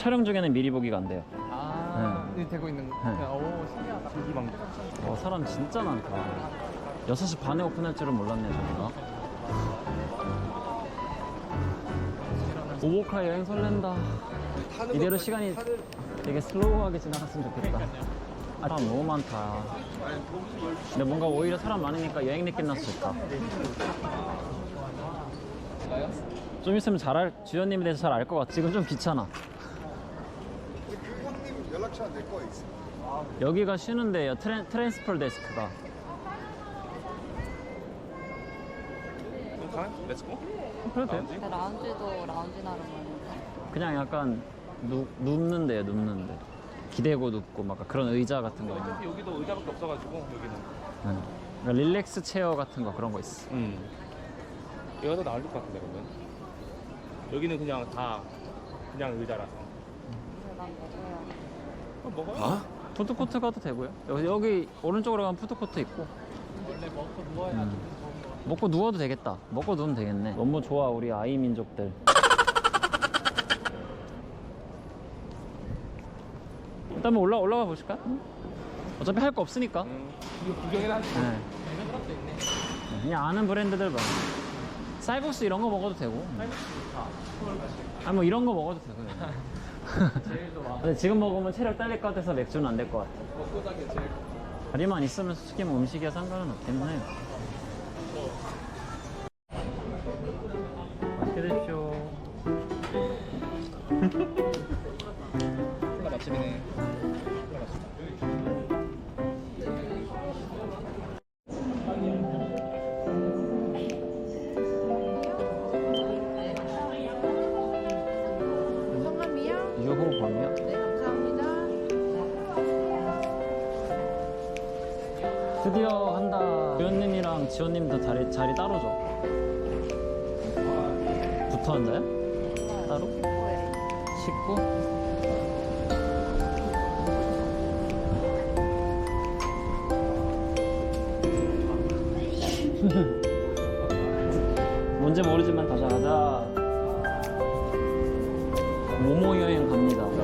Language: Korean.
촬영 중에는 미리 보기가 안 돼요. 이 되고 있는 거. 네. 오, 신기하다. 사람 진짜 많다. 6시 반에 오픈할 줄은 몰랐네, 저기가. 오보카 여행 설렌다. 이대로 시간이 되게 슬로우하게 지나갔으면 좋겠다. 사람 너무 많다. 근데 뭔가 오히려 사람 많으니까 여행 느낌 나서 좋다. 좀 있으면 주연님에 대해서 잘 알 것 같아. 지금 좀 귀찮아. 그 형님 연락처 내 거에 있어. 여기가 쉬는 데예요. 트랜스퍼 데스크가. 그럼 가면 렛츠고? 그래도 돼요? 근데 라운지도 라운지 나름은 그냥 약간 눕는 데요, 눕는 데. 기대고 눕고 막 그런 의자 같은 거 있는. 어차피 여기도 의자밖에 없어가지고 여기는. 그러니까 릴렉스 체어 같은 거 그런 거 있어. 여기가 더 나을 것 같은데 그러면. 여기는 그냥 다 그냥 의자라서. 난 먹어요. 먹어요? 푸드코트 가도 되고요. 여기 오른쪽으로 가면 푸드코트 있고. 원래 먹고 누워야 먹고 누워도 되겠다. 먹고 누우면 되겠네. 너무 좋아, 우리 아이 민족들. 일단 한번 올라가 보실까? 어차피 할 거 없으니까. 이거 구경이나 하지. 네. 사람도 있네. 그냥 아는 브랜드들 봐. 쌀국수 이런 거 먹어도 되고. 아니 뭐 이런 거 먹어도 되고. 제일 좋아. 근데 지금 먹으면 체력 딸릴 것 같아서 맥주는 안 될 것 같아. 먹고 자기 제일. 다리만 있으면 솔직히 뭐 음식이야 상관은 없긴 해요. 맛있게 드십시오. 콜라 맛집이네. 콜라 맛집. 성함이요? 유호 범이요? 네, 감사합니다. 드디어 한다. 지원님이랑 지원님도 자리 따로 줘. 붙어 앉아요? 따로? 네. 19? 뭔지 모르지만 가자. 모모 여행 갑니다.